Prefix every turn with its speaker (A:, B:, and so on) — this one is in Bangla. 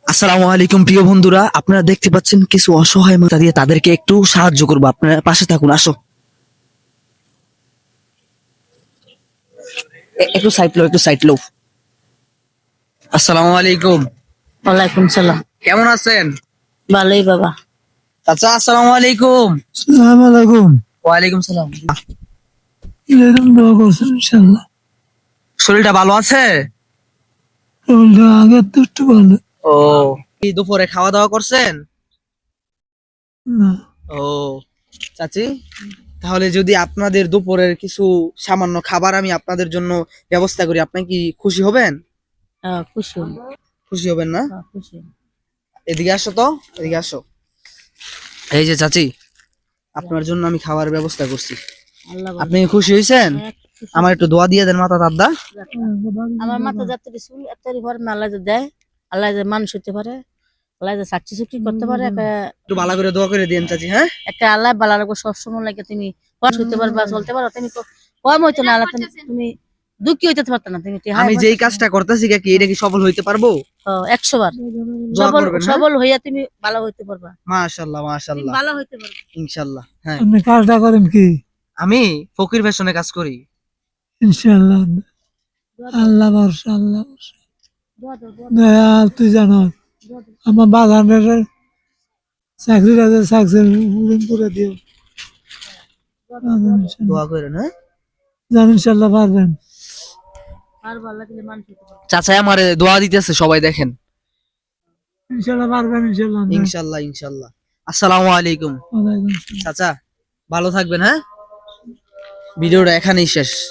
A: আসসালামু আলাইকুম প্রিয় বন্ধুরা, আপনারা দেখতে পাচ্ছেন কিছু অসহায় মাথা দিয়ে তাদেরকে একটু সাহায্য করবো। আপনারা পাশে থাকুন, আসো। একটু সাইড লো, একটু সাইড লো। আসসালামু আলাইকুম।
B: ওয়ালাইকুম সালাম।
A: কেমন আছেন?
B: ভালোই বাবা।
A: চাচা আসসালামু আলাইকুম।
C: আসসালামু আলাইকুম।
A: ওয়ালাইকুম সালাম।
C: এরকম দোয়া করছেন ইনশাল্লাহ।
A: শরীরটা ভালো আছে?
C: শরীরটা আগের তো একটু ভালো।
A: ও, কি দুপুরে খাওয়া দাওয়া করছেন?
C: না,
A: ও চাচি, তাহলে যদি আপনাদের দুপুরের কিছু সামান্য খাবার আমি আপনাদের জন্য ব্যবস্থা করি, আপনি কি খুশি হবেন?
B: খুশি হই।
A: খুশি হবেন না?
B: খুশি হই।
A: এদিকে আসো তো, এদিকে আসো। এই যে চাচি, আপনার জন্য আমি খাবার ব্যবস্থা করছি।
B: আল্লাহ
A: আপনি কি খুশি হয়েছেন?
B: খুশি।
A: আমার একটু দোয়া দিয়ে দেন মাতা দাদা।
B: আমার মাথা যাত্রী চুল এত্তারি ভর আল্লাহ যে দেয়, আল্লাহ যে মানুষ হতে পারে, আল্লাহ যে চাকরি চুকরি করতে পারে,
A: একটু ভালো করে দোয়া করে দিন চাচি। হ্যাঁ,
B: একটা আল্লাহ বালা রাখবো সবসময় লাগে। তুমি মানুষ হইতে পারবা, চলতে পারো। তুমি কম হইতো না আল্লাহ, তুমি দুঃখী হইতে পারতো না। তুমি
A: আমি যেই কাজটা করতেছি কি এটা কি সফল হইতে পারবো?
B: 100 বার
A: দোয়া
B: সবল
A: করবেন।
B: সবল হইয়া তুমি ভালো হইতে পারবা।
A: মাশাআল্লাহ
B: তুমি
A: মাশাআল্লাহ,
B: ভালো হইতে পারবা
A: ইনশাআল্লাহ। হ্যাঁ,
C: আপনি কাজটা করেন কি?
A: আমি ফকির ফ্যাশনে কাজ করি।
C: ইনশাল্লাহ। আল্লাহ ভরসা, আল্লাহ ভরসা। দয়াল তুই জানো আমার বাগানের চাকরিটা চাকরি করে দিও।
A: দোয়া করেন। হ্যাঁ
C: জান ইনশাল্লাহ পারবেন।
B: পারবা, আল্লাহ দিলে মানুষ হইতে পারবা।
A: চাচা আমারে দোয়া দিতেছে, সবাই দেখেন।
C: ইনশাল্লাহ পারবেন, ইনশাল্লাহ।
A: ইনশাআল্লাহ ইনশাআল্লাহ। আসসালামু আলাইকুম।
C: ওয়ালাইকুম আসসালাম।
A: চাচা ভালো থাকবেন। হ্যাঁ, ভিডিওটা এখানেই শেষ।